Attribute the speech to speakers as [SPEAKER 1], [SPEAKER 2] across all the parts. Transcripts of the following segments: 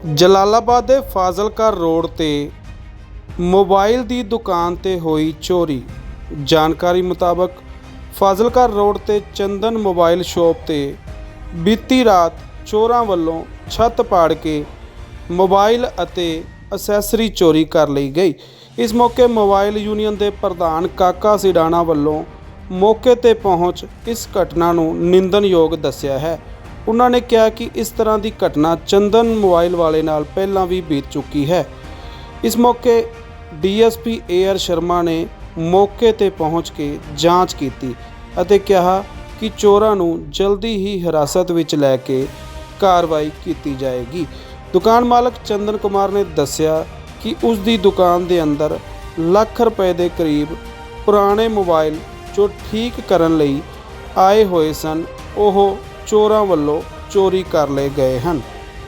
[SPEAKER 1] ਜਲਾਲਾਬਾਦ ਦੇ ਫਾਜ਼ਿਲਕਾ ਰੋਡ ਤੇ ਮੋਬਾਈਲ ਦੀ ਦੁਕਾਨ ਤੇ ਹੋਈ ਚੋਰੀ। ਜਾਣਕਾਰੀ ਮੁਤਾਬਕ ਫਾਜ਼ਿਲਕਾ ਰੋਡ ਤੇ ਚੰਦਨ ਮੋਬਾਈਲ ਸ਼ਾਪ ਤੇ ਬੀਤੀ ਰਾਤ ਚੋਰਾਂ ਵੱਲੋਂ ਛੱਤ ਪਾੜ ਕੇ ਮੋਬਾਈਲ ਅਤੇ ਅਸੈਸਰੀ ਚੋਰੀ ਕਰ ਲਈ ਗਈ। ਇਸ ਮੌਕੇ ਮੋਬਾਈਲ ਯੂਨੀਅਨ ਦੇ ਪ੍ਰਧਾਨ ਕਾਕਾ ਸਿਡਾਣਾ ਵੱਲੋਂ ਮੌਕੇ ਤੇ ਪਹੁੰਚ ਇਸ ਘਟਨਾ ਨੂੰ ਨਿੰਦਣਯੋਗ ਦੱਸਿਆ ਹੈ। ਉਹਨਾਂ ਨੇ ਕਿਹਾ ਕਿ ਇਸ ਤਰ੍ਹਾਂ ਦੀ ਘਟਨਾ ਚੰਦਨ ਮੋਬਾਈਲ ਵਾਲੇ ਨਾਲ ਪਹਿਲਾਂ ਵੀ ਬੀਤ ਚੁੱਕੀ ਹੈ। ਇਸ ਮੌਕੇ ਡੀਐਸਪੀ ਏਆਰ ਸ਼ਰਮਾ ਨੇ ਮੌਕੇ ਤੇ ਪਹੁੰਚ ਕੇ ਜਾਂਚ ਕੀਤੀ ਅਤੇ ਕਿਹਾ ਕਿ ਚੋਰਾਂ ਨੂੰ ਜਲਦੀ ਹੀ ਹਿਰਾਸਤ ਵਿੱਚ ਲੈ ਕੇ ਕਾਰਵਾਈ ਕੀਤੀ ਜਾਏਗੀ। ਦੁਕਾਨ ਮਾਲਕ ਚੰਦਨ ਕੁਮਾਰ ਨੇ ਦੱਸਿਆ ਕਿ ਉਸ ਦੀ ਦੁਕਾਨ ਦੇ ਅੰਦਰ ਲੱਖ ਰੁਪਏ ਦੇ ਕਰੀਬ ਪੁਰਾਣੇ ਮੋਬਾਈਲ ਜੋ ਠੀਕ ਕਰਨ ਲਈ ਆਏ ਹੋਏ ਸਨ ਉਹ ਚੋਰਾਂ ਵੱਲੋਂ ਚੋਰੀ ਕਰ ਲਏ ਗਏ ਹਨ।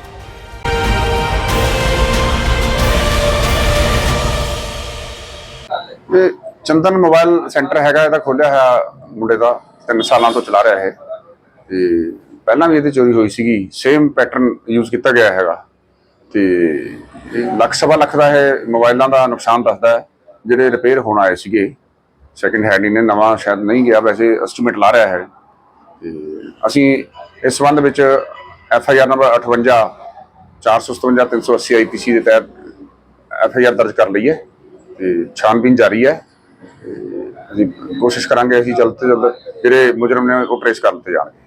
[SPEAKER 2] ਇਹ ਚੰਦਨ ਮੋਬਾਈਲ ਸੈਂਟਰ ਹੈਗਾ, ਇਹਦਾ ਖੋਲਿਆ ਹੋਇਆ ਮੁੰਡੇ ਦਾ 3 ਸਾਲਾਂ ਤੋਂ ਚਲਾ ਰਿਹਾ ਹੈ ਤੇ ਪਹਿਲਾਂ ਵੀ ਇਹਦੀ ਚੋਰੀ ਹੋਈ ਸੀਗੀ। ਸੇਮ ਪੈਟਰਨ ਯੂਜ਼ ਕੀਤਾ ਗਿਆ ਹੈਗਾ ਤੇ ਲੱਖ ਸਵਾ ਲੱਖ ਦਾ ਇਹ ਮੋਬਾਈਲਾਂ ਦਾ ਨੁਕਸਾਨ ਦੱਸਦਾ ਹੈ ਜਿਹੜੇ ਰਿਪੇਅਰ ਹੋਣ ਆਏ ਸੀਗੇ। ਸੈਕਿੰਡ ਹੈਂਡ ਇਹਨੇ ਨਵਾਂ ਸ਼ਾਇਦ ਨਹੀਂ ਗਿਆ, ਵੈਸੇ ਐਸਟੀਮੇਟ ਲਾ ਰਿਹਾ ਹੈ। ਤੇ ਅਸੀਂ ਇਸ ਸੰਬੰਧ ਵਿੱਚ FIR ਨੰਬਰ 58 457 380 IPC ਦੇ ਤਹਿਤ FIR ਦਰਜ ਕਰ ਲਈ ਹੈ ਤੇ ਛਾਣਬੀਨ ਜਾਰੀ ਹੈ। ਅਸੀਂ ਕੋਸ਼ਿਸ਼ ਕਰਾਂਗੇ ਅਸੀਂ ਜਲਦ ਤੋਂ ਜਲਦ ਜਿਹੜੇ ਮੁਜਰਮ ਨੇ ਉਹ ਟ੍ਰੇਸ ਕਰ ਦਿੱਤੇ ਜਾਣਗੇ।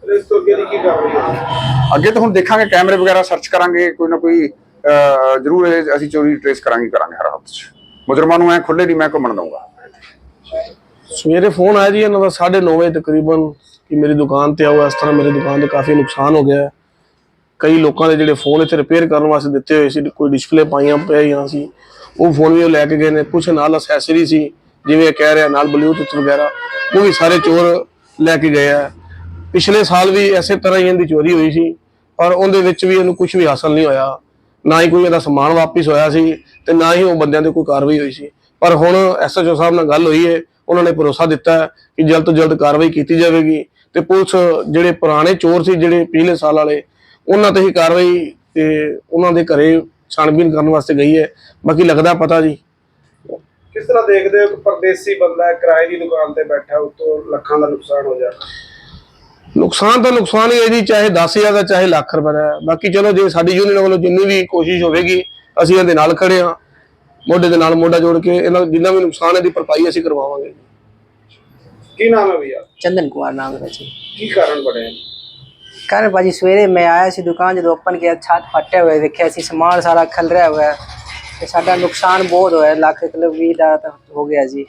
[SPEAKER 2] ਅੱਗੇ ਤਾਂ ਹੁਣ ਦੇਖਾਂਗੇ, ਕੈਮਰੇ ਵਗੈਰਾ ਸਰਚ ਕਰਾਂਗੇ, ਕੋਈ ਨਾ ਕੋਈ ਜ਼ਰੂਰ ਅਸੀਂ ਚੋਰੀ ਟ੍ਰੇਸ ਕਰਾਂਗੇ ਹਰ ਹਫ਼ਤੇ 'ਚ। ਮੁਜਰਮਾਂ ਨੂੰ ਐ ਖੁੱਲੇ ਨਹੀਂ ਮੈਂ ਘੁੰਮਣ ਦਊਂਗਾ।
[SPEAKER 3] ਸਵੇਰੇ ਫੋਨ ਆਇਆ ਜੀ ਇਹਨਾਂ ਦਾ 9:30 ਵਜੇ ਤਕਰੀਬਨ ਕਿ ਮੇਰੀ ਦੁਕਾਨ ਤੇ ਆਓ, ਇਸ ਤਰ੍ਹਾਂ ਮੇਰੀ ਦੁਕਾਨ ਤੇ ਕਾਫੀ ਨੁਕਸਾਨ ਹੋ ਗਿਆ। ਕਈ ਲੋਕਾਂ ਦੇ ਜਿਹੜੇ ਫੋਨ ਇੱਥੇ ਰਿਪੇਅਰ ਕਰਨ ਵਾਸਤੇ ਦਿੱਤੇ ਹੋਏ ਸੀ, ਕੋਈ ਡਿਸਪਲੇ ਪਾਈਆਂ ਪਈਆਂ ਸੀ, ਉਹ ਫੋਨ ਵੀ ਲੈ ਕੇ ਗਏ ਨੇ। ਕੁਛ ਨਾਲ ਅਸੈਸਰੀ ਸੀ, ਜਿਵੇਂ ਕਹਿ ਰਿਹਾ ਨਾਲ ਬਲੂਟੁੱਥ ਵਗੈਰਾ, ਉਹ ਵੀ ਸਾਰੇ ਚੋਰ ਲੈ ਕੇ ਗਏ ਆ। ਪਿਛਲੇ ਸਾਲ ਵੀ ਇਸੇ ਤਰ੍ਹਾਂ ਹੀ ਇਹਦੀ ਚੋਰੀ ਹੋਈ ਸੀ, ਪਰ ਉਹਦੇ ਵਿੱਚ ਵੀ ਇਹਨੂੰ ਕੁਝ ਵੀ ਹਾਸਲ ਨਹੀਂ ਹੋਇਆ। ਨਾ ਹੀ ਕੋਈ ਇਹਦਾ ਸਮਾਨ ਵਾਪਿਸ ਹੋਇਆ ਸੀ ਤੇ ਨਾ ਹੀ ਉਹ ਬੰਦਿਆਂ ਤੇ ਕੋਈ ਕਾਰਵਾਈ ਹੋਈ ਸੀ। ਪਰ ਹੁਣ SHO ਸਾਹਿਬ ਨਾਲ ਗੱਲ ਹੋਈ ਹੈ, ਉਹਨਾਂ ਨੇ ਭਰੋਸਾ ਦਿੱਤਾ ਕਿ ਜਲਦ ਤੋਂ ਜਲਦ ਕਾਰਵਾਈ ਕੀਤੀ ਜਾਵੇਗੀ ਤੇ ਪੁਲਿਸ ਜਿਹੜੇ ਪੁਰਾਣੇ ਚੋਰ ਸੀ, ਜਿਹੜੇ ਪਿਛਲੇ ਸਾਲ ਵਾਲੇ, ਉਹਨਾਂ ਤੇ ਹੀ ਕਾਰਵਾਈ ਤੇ ਉਹਨਾਂ ਦੇ ਘਰੇ ਛਾਣਬੀਨ ਕਰਨ ਵਾਸਤੇ ਗਈ ਹੈ। ਬਾਕੀ ਲੱਗਦਾ ਪਤਾ ਜੀ।
[SPEAKER 4] ਕਿਸ ਤਰ੍ਹਾਂ ਦੇਖਦੇ ਹੋ ਕਿ ਪਰਦੇਸੀ ਬੰਦਾ ਕਿਰਾਏ ਦੀ ਦੁਕਾਨ ਤੇ ਬੈਠਾ, ਉਤੋਂ ਲੱਖਾਂ ਦਾ ਨੁਕਸਾਨ ਹੋ ਜਾਣਾ?
[SPEAKER 3] ਨੁਕਸਾਨ ਤਾਂ ਨੁਕਸਾਨ ਹੀ ਹੈ ਜੀ, ਚਾਹੇ 10,000 ਦਾ ਚਾਹੇ ਲੱਖ ਰੁਪਏ ਦਾ। ਬਾਕੀ ਚਲੋ ਜੇ ਸਾਡੀ ਯੂਨੀਅਨ ਵੱਲੋਂ ਜਿੰਨੀ ਵੀ ਕੋਸ਼ਿਸ਼ ਹੋਵੇਗੀ ਅਸੀਂ ਇਹਦੇ ਨਾਲ ਖੜੇ ਹਾਂ, ਮੋਢੇ ਦੇ ਨਾਲ ਮੋਢਾ ਜੋੜ ਕੇ ਇਹਨਾਂ ਜਿੰਨਾ ਵੀ ਨੁਕਸਾਨ ਹੈ ਦੀ ਭਰਪਾਈ ਅਸੀਂ ਕਰਵਾਵਾਂਗੇ।
[SPEAKER 4] ਕੀ ਨਾਮ ਹੈ ਭਈਆ?
[SPEAKER 5] चंदन कुमार नाम है जी।
[SPEAKER 4] ਕੀ ਕਾਰਨ ਬਣਿਆ?
[SPEAKER 5] कारण भाजी सवेरे मैं आया सी दुकान जो ओपन किया, छत फटे हुए देखा सी, समान सारा खलरिया हुआ है तो साडा नुकसान बहुत होया। लाख किलो 20 का हो गया जी।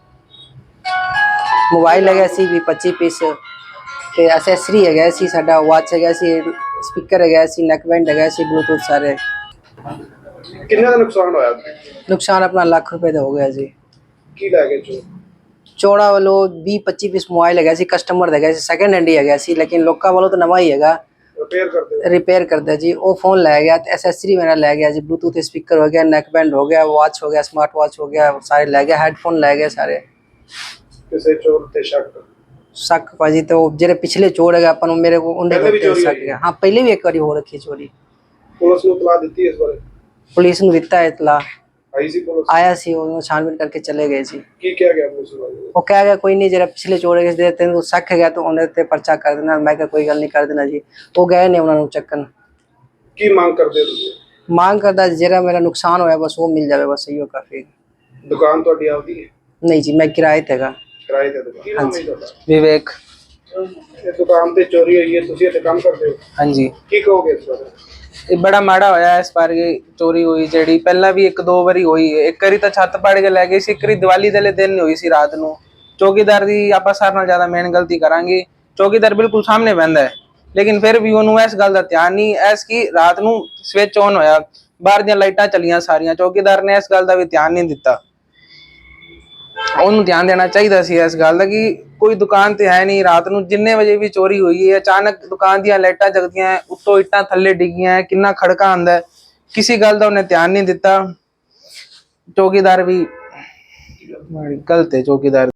[SPEAKER 5] मोबाइल है सी भी 25 पीस ते असैसरी है सी, साडा वाच है सी, स्पीकर है सी, नेकबैंड है सी, ब्लूटूथ सारे।
[SPEAKER 4] ਕਿੰਨਾ ਦਾ ਨੁਕਸਾਨ ਹੋਇਆ?
[SPEAKER 5] नुकसान अपना लाख रुपए का हो गया जी।
[SPEAKER 4] ਕੀ ਲੈ ਗਏ ਚੋਰ?
[SPEAKER 5] चौड़ा वालों 20-25 पीस मोबाइल है सी, कस्टमर है सी, सैकेंड हैंड ही है सी, लेकिन लोका वालों तो नवा ही है, रिपेयर करते जी। वो फोन लै गया, एसेसरी मेरा लै गया जी, ब्लूटूथ स्पीकर हो गया, नेकबैंड हो गया, वॉच हो गया, स्मार्ट वॉच हो गया, सारे लै गया, हेडफोन लै गए सारे।
[SPEAKER 4] ਕਿਸੇ ਚੋਰ ਤੇ
[SPEAKER 5] शक भाजी तो जेरे पिछले चोर है अपन मेरे को उन्हें शक है। हाँ पहले भी एक बार हो रखी चोरी।
[SPEAKER 4] ਪੁਲਿਸ ਨੂੰ ਇਤਲਾਹ ਦਿੱਤੀ ਇਸ ਬਾਰੇ?
[SPEAKER 5] पुलिस ਨੂੰ ਦਿੱਤਾ है इतला,
[SPEAKER 4] ਆਈ ਸੀ ਪੁਲਿਸ?
[SPEAKER 5] आया सी, वो छानबीन करके चले गए जी।
[SPEAKER 4] ਕੀ ਕਿਹਾ ਗਿਆ ਪੁਲਿਸ ਵਾਲੇ?
[SPEAKER 5] वो कह गया कोई नहीं, जरा पिछले चोर है तेरे तेन शक है तो उन्हें ते पर्चा कर देना। मैं क्या कोई गल नहीं कर देना जी। वो गए ने उन्होंने चक्कन।
[SPEAKER 4] ਕੀ ਮੰਗ ਕਰਦੇ ਹੋ ਤੁਸੀਂ?
[SPEAKER 5] मांग करता जरा मेरा नुकसान होया बस वो मिल जाए, बस यही काफी।
[SPEAKER 4] ਦੁਕਾਨ ਤੁਹਾਡੀ ਆਪਦੀ ਹੈ?
[SPEAKER 5] नहीं जी मैं किराए ते गा।
[SPEAKER 4] ਕਿਰਾਏ ਤੇ ਦੁਕਾਨ? ਕੀ ਨਾਮ ਹੈ ਤੁਹਾਡਾ?
[SPEAKER 5] विवेक।
[SPEAKER 4] ਇਹ ਦੁਕਾਨ ਤੇ ਚੋਰੀ ਹੋਈ ਹੈ, ਤੁਸੀਂ ਇੱਥੇ ਕੰਮ ਕਰਦੇ ਹੋ?
[SPEAKER 6] हाँ जी,
[SPEAKER 4] ਕੀ ਕਹੋਗੇ ਇਸ ਬਾਰੇ?
[SPEAKER 6] ਇਹ ਬੜਾ ਮਾੜਾ ਹੋਇਆ ਇਸ ਵਾਰ ਚੋਰੀ ਹੋਈ, ਜਿਹੜੀ ਪਹਿਲਾਂ ਵੀ 1-2 ਵਾਰੀ ਹੋਈ ਹੈ। ਇੱਕ ਵਾਰੀ ਤਾਂ ਛੱਤ ਪਾੜ ਕੇ ਲੈ ਗਏ ਸੀ, ਇੱਕ ਵਾਰੀ ਦੀਵਾਲੀ ਦੇ ਦਿਨ ਹੋਈ ਸੀ ਰਾਤ ਨੂੰ। ਚੌਕੀਦਾਰ ਦੀ ਆਪਾਂ ਸਾਰਿਆਂ ਨਾਲ ਜ਼ਿਆਦਾ ਮੇਨ ਗਲਤੀ ਕਰਾਂਗੇ। ਚੌਕੀਦਾਰ ਬਿਲਕੁਲ ਸਾਹਮਣੇ ਬਹਿੰਦਾ ਹੈ, ਲੇਕਿਨ ਫਿਰ ਵੀ ਉਹਨੂੰ ਇਸ ਗੱਲ ਦਾ ਧਿਆਨ ਨਹੀਂ। ਐਸ ਕਿ ਰਾਤ ਨੂੰ ਸਵਿਚ ਔਨ ਹੋਇਆ, ਬਾਹਰ ਦੀਆਂ ਲਾਈਟਾਂ ਚੱਲੀਆਂ ਸਾਰੀਆਂ, ਚੌਕੀਦਾਰ ਨੇ ਇਸ ਗੱਲ ਦਾ ਵੀ ਧਿਆਨ ਨਹੀਂ ਦਿੱਤਾ। ਉਹਨੂੰ ਧਿਆਨ ਦੇਣਾ ਚਾਹੀਦਾ ਸੀ ਇਸ ਗੱਲ ਦਾ ਕਿ ਕੋਈ ਦੁਕਾਨ ਤੇ ਹੈ ਨਹੀਂ। ਰਾਤ ਨੂੰ ਜਿੰਨੇ ਵਜੇ ਵੀ ਚੋਰੀ ਹੋਈ ਹੈ, ਅਚਾਨਕ ਦੁਕਾਨ ਦੀਆਂ ਲਾਈਟਾਂ ਜਗਦੀਆਂ, ਉੱਤੋਂ ਇੱਟਾਂ ਥੱਲੇ ਡਿੱਗੀਆਂ, ਕਿੰਨਾ ਖੜਕਾ ਆਉਂਦਾ, ਕਿਸੇ ਗੱਲ ਦਾ ਉਹਨੇ ਧਿਆਨ ਨਹੀਂ ਦਿੱਤਾ। ਚੌਕੀਦਾਰ ਵੀ ਗਲਤ ਹੈ, ਚੌਕੀਦਾਰ।